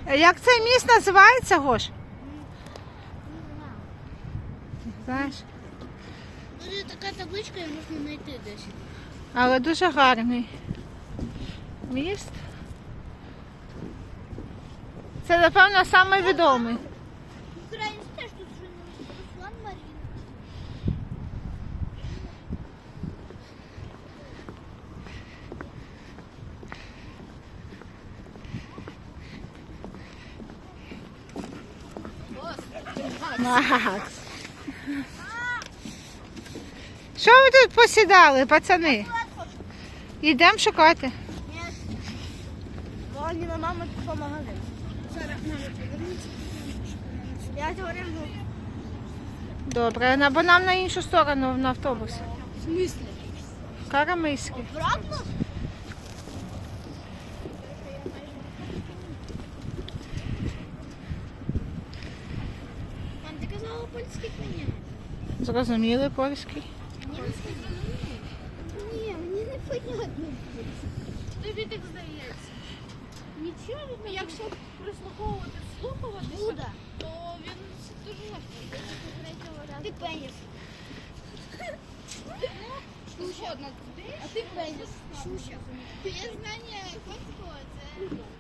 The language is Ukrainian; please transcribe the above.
Як цей міст називається, Гош? Знаєш? Тут така табличка, її можна знайти десь. Але дуже гарний міст. Це, напевно, найвідомий. Український теж тут вже Руслан Марін. Макс. Що ви тут посідали, пацани? Йдемо шукати. Ваніна мама пішла в магазин. Я говорю, Добре, або нам на іншу сторону на автобус. в смислі? Карамиський. Обратно? Мам, ти казала польський коня. Зрозуміли польський. Ні, мені не понятно. Тобі так здається. Нічого, якщо прислуховувати, слухуватися, то він дуже легко. Ти пеніс. Шуша. А ти пеніс. Шуша. Є знання польського, це...